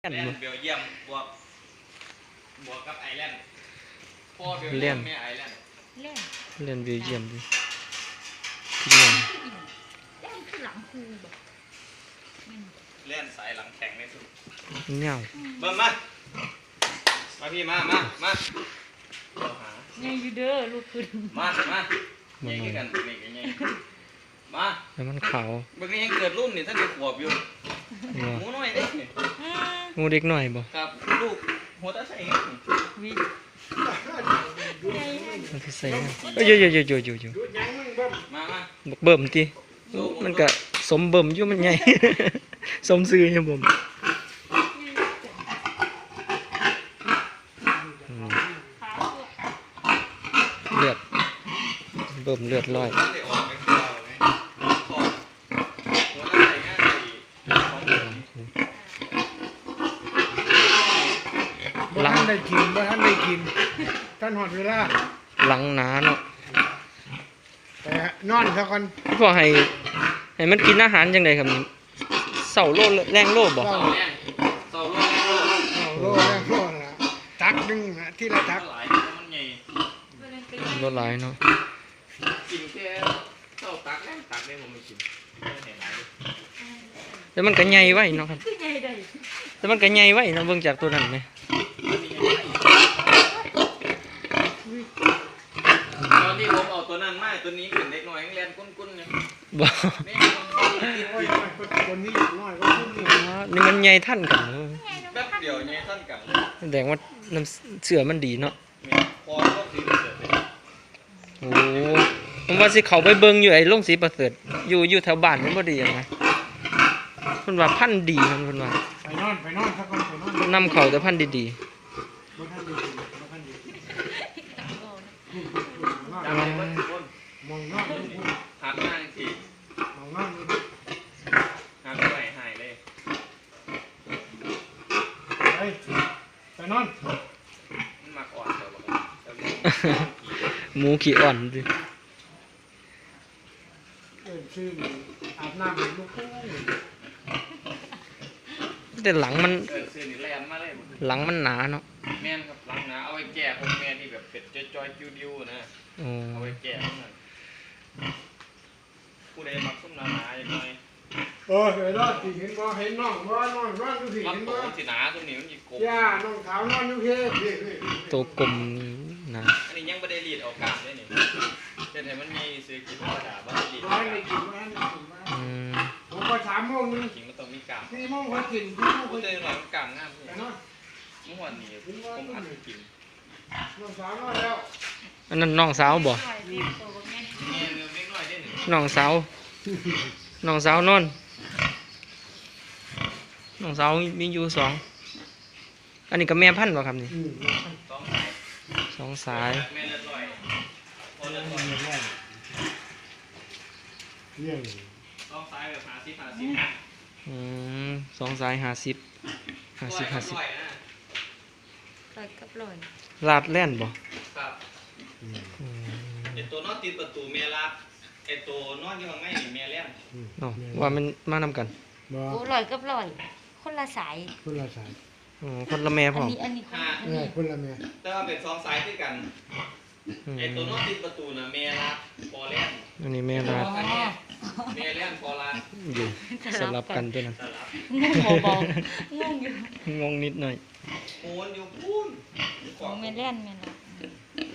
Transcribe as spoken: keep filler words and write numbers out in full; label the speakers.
Speaker 1: แลนด์เบลเยียมบวกบวกกับไอร์แลนด์พ่อเบลเยียมแม่ไอร์แลนด์
Speaker 2: เล่น
Speaker 1: เล่นเบลเยียมดิ
Speaker 2: เล่นเล่นคือหลังครูแบบ
Speaker 1: เล่นสายหลังแข็งในสุด
Speaker 3: เงี้ย
Speaker 1: เบิ่มมามาพี่มามามา
Speaker 2: ไงยูเดอร์ลูกขึ้น
Speaker 1: มามาไงกันนี่ไงมา
Speaker 3: แล้วมันขาว
Speaker 1: บางทียังเกิดรุ่นนี่ท่านเด็กขวบอยู่หมูน้อยเด็ก
Speaker 3: งูเด็กหน่อยบ่
Speaker 1: ครับลูกหัวตาใส่
Speaker 2: วิ
Speaker 3: มันคือใส่เอ้ยเยอะๆๆๆ
Speaker 1: มามา
Speaker 3: บักเบิ่มติมันก็สมเบิ่มอยู่มันใหญ่สมซื่ออยู่บ่เลือดเบิ่มเลือดลอย
Speaker 4: บ่ท่านได้กินบ่ท่านได้กินท่านหอดเวลา
Speaker 3: หลังหนาเนาะ
Speaker 4: แต่นอนซะก่อน
Speaker 3: พอให้ให้มันกินอาหารจังได๋ครับนี่เสาโลแรงโลบ่
Speaker 1: เสาแรงเสาโลแรงโล
Speaker 4: เสาโลแรงโลล่ะตักนึงนะที่ละตัก
Speaker 1: หลายมันใหญ่
Speaker 3: รถหลายเนาะ
Speaker 1: กินแค่เสาตักแรงตักได้บ่ไม่กินให้หลาย
Speaker 3: แต่มันก็ใหญ่ไว้เนาะครับแต่มันก็ใหญ่ไว้นะเบิ่งจากตัวนั้นแหม
Speaker 1: ตอนที่ผมเอาตัวนั้นมาตัวนี้เป็นเด็กน้อยยังเรียนกุ้นๆเนี่ย
Speaker 3: บ่
Speaker 4: คนนี้น้อยก็ขึ้นนี่
Speaker 3: นี่มันใหญ่ทันกัน
Speaker 1: แป๊บเดียวใหญ่ทันกัน
Speaker 3: แสดงว่าน้ำเสือมันดีเนาะ
Speaker 1: พอต้องสีประเสริฐ
Speaker 3: โอ้ผมว่าสิเข้าไปเบิ่งอยู่ไอ้โรงสีประเสริฐอยู่อยู่แถวบ้านมันบ่ดีหยังนะเพิ่นว่าพันธุ์ดีเพิ่นว่า
Speaker 4: ไปนอนไปนอนซะก่อนไปนอน
Speaker 3: นำเข้าแต่พันธุ์ดีๆ
Speaker 4: บ่ทันได้กินบ่ทันได้กินมองนอน
Speaker 1: หักหน้าสิ
Speaker 4: มองนอน
Speaker 1: หักไหลหายเลย
Speaker 4: ไปไปนอน
Speaker 1: มันมักอ่อนเดี๋ยวบอก
Speaker 3: หมูขี้อ่อนดิ
Speaker 4: เอิ้นชื่ออาบน้ำลูกคู่
Speaker 3: แต่หลังมัน
Speaker 1: เออซื้อนี่แลนมาเลย
Speaker 3: หลังมันหนาเนาะ
Speaker 1: แม่นครับหลังหนาเอาไว้แก่พวกแม่ที่แบบเป็ดจอยๆจิ้วๆนะเอาไว้แก่พวกนั้นผู้ใดมักส้มหนาๆอย่างน้อย
Speaker 4: เออเห็นแล้วสิเห็นบ่เห็นน้องบ่น้องนอนอยู่สิเห็นบ่
Speaker 1: สิหนาตัวนี้มันสิกลม
Speaker 4: ย่าน้องขาวนอนอยู่เพ่
Speaker 3: ตัวกลมนะ
Speaker 1: อันนี้ยังบ่ได้รีดออกกลางเลยนี่เฮ็ดให้มันมีซื้อกินธรรมดาบ่ได้รีด
Speaker 4: บ่ได้กินบ่ได้กินอืมผมก็สามโมงนึง
Speaker 1: กินมันต้องมีกลาง
Speaker 4: สี่โมงก็กินสี่โมง
Speaker 1: ก็ได้หน่อยมันกลางงามพี่
Speaker 4: ไปนอน
Speaker 1: มื้อวานนี้ผมอัดกิน
Speaker 4: น้องสาวนอนแล้ว
Speaker 3: อันนั้นน้องสาวบ่น้องสาวน้องสาวนอนน้องสาวมีอยู่สองอันนี้ก็แม่พันธุ์บ่ครับนี่สองสาย
Speaker 1: แม่เลือดลอยพอเลือดลอย
Speaker 4: เนี่ย
Speaker 1: สองสายแบบห้าสิบ ห้าสิบ
Speaker 3: อืมสองสายห้าสิบ ห้าสิบ ห้าสิบ
Speaker 2: ลอยกับลอย
Speaker 3: ลาดแล่นบ่
Speaker 1: ครับไอ้ตัวนอนติดประตูแม่ลาดไอ้ตัวนอนอยู่ข้างในนี่แม่แล่น
Speaker 3: เนาะว่ามันมานำกัน
Speaker 2: โอ้ลอยกับลอยคนละสาย
Speaker 4: คนละสาย
Speaker 3: อ๋อคนละแม่พร้อม
Speaker 2: อันนี้อันนี้
Speaker 4: คนละแม่
Speaker 1: แต่ว่าเป็นสองสายด้วยกันไอ้ตัวนอนติดประตูน่ะแม่ลาดพอแล่น
Speaker 3: อันนี้แม่ลาด
Speaker 1: แม่แล่นพอลาด
Speaker 3: อยู่สลับกันตัวนั้น
Speaker 2: งงเบาๆงงอยู่
Speaker 3: งงนิดหน่อย
Speaker 1: โอนอยู่พูน
Speaker 2: ของแม่แล่นแม่ลาด